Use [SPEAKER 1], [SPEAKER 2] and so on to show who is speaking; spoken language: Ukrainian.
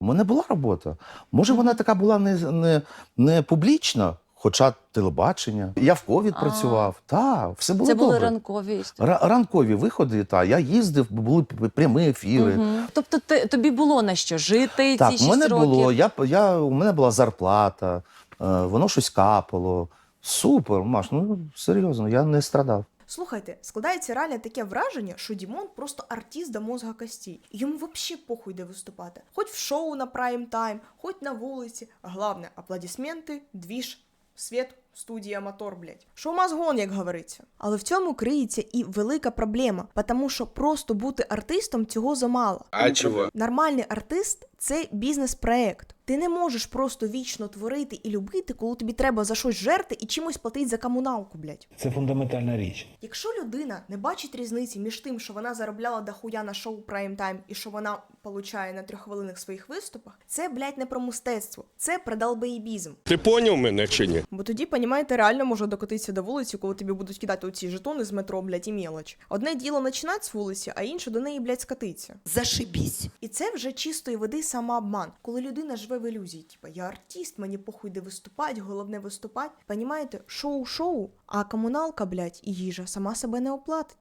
[SPEAKER 1] У мене була робота. Може, вона така була не публічна, хоча телебачення. Я в ковід працював. Так, все було
[SPEAKER 2] Це
[SPEAKER 1] добре.
[SPEAKER 2] були ранкові історії.
[SPEAKER 1] Ранкові виходи, та я їздив, були прямі ефіри.
[SPEAKER 2] Тобто тобі було на що жити
[SPEAKER 1] Так,
[SPEAKER 2] ці
[SPEAKER 1] у
[SPEAKER 2] 6
[SPEAKER 1] мене
[SPEAKER 2] років?
[SPEAKER 1] було, у мене була зарплата, воно щось капало. Супер, Маш, ну серйозно, я не страдав.
[SPEAKER 3] Слухайте, складається реально таке враження, що Дімон просто артист до мозга костей. Йому взагалі похуй де виступати. Хоч в шоу на прайм-тайм, хоч на вулиці. Головне, аплодисменти, двіж, світ, студія, мотор, блядь. Шоу-мазгон, як говориться. Але в цьому криється і велика проблема, тому що просто бути артистом цього замало.
[SPEAKER 4] А чого?
[SPEAKER 3] Нормальний артист – це бізнес-проект. Ти не можеш просто вічно творити і любити, коли тобі треба за щось жерти і чимось платити за комуналку, блядь.
[SPEAKER 5] Це фундаментальна річ.
[SPEAKER 3] Якщо людина не бачить різниці між тим, що вона заробляла дохуя на шоу прайм-тайм і що вона получає на 3-хвилинних своїх виступах, це, блядь, не про мистецтво, це про долбоєбізм.
[SPEAKER 4] Ти поняв мене чи ні?
[SPEAKER 3] Бо тоді, понімаєте, реально може докотитися до вулиці, коли тобі будуть кидати оці жетони з метро, блядь, і мелоч. Одне діло починати з вулиці, а інше до неї, блядь, скатиться.
[SPEAKER 6] Зашибісь.
[SPEAKER 3] І це вже чистої води самообман, коли людина живе в ілюзії, типа я артист, мені похуй де виступати, головне виступати. Понімаєте, шоу-шоу, а комуналка, блядь, і їжа сама себе не оплатить.